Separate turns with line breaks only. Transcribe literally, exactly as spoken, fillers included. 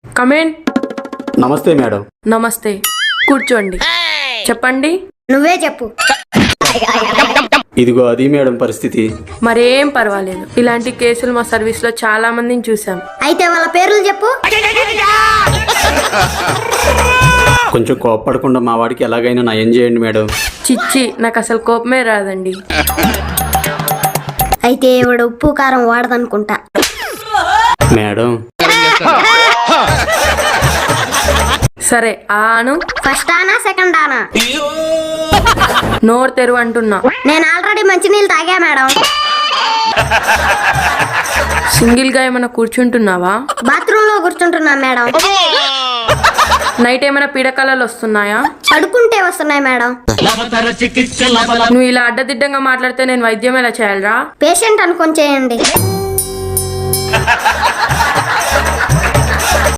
Come in.
నమస్తే madam.
నమస్తే, కూర్చోండి. చెప్పండి.
నువ్వే చెప్పు.
ఇదిగో అది మేడం పరిస్థితి.
మరేం పర్వాలేదు, ఇలాంటి కేసులు మా సర్వీస్ లో చాలా మందిని చూసాం.
అయితే వాళ్ళ పేర్లు చెప్పు.
కొంచెం కోప్పడకుండా మా వాడికి ఎలాగైనా నయం చేయండి మేడం.
చిచ్చి, నాకు అసలు కోపమే రాదండి.
అయితే ఇవిడ ఉప్పు కారం వాడదనుకుంటా.
మేడం
సరే, ఆను.
ఫస్ట్ ఆనా సెకండ్ ఆనా?
నోరు తెరువు అంటున్నా.
నేను ఆల్రెడీ మంచినీళ్ళు తాగా మేడం.
సింగిల్ గా ఏమైనా కూర్చుంటున్నావా?
బాత్రూమ్ లో కూర్చుంటున్నా మేడం.
నైట్ ఏమైనా పీడకలలు వస్తున్నాయా?
పడుకుంటే వస్తున్నాయి మేడం.
నువ్వు ఇలా అడ్డదిడ్డంగా మాట్లాడితే నేను వైద్యం ఎలా చేయాలరా?
పేషెంట్ అనుకొని చేయండి.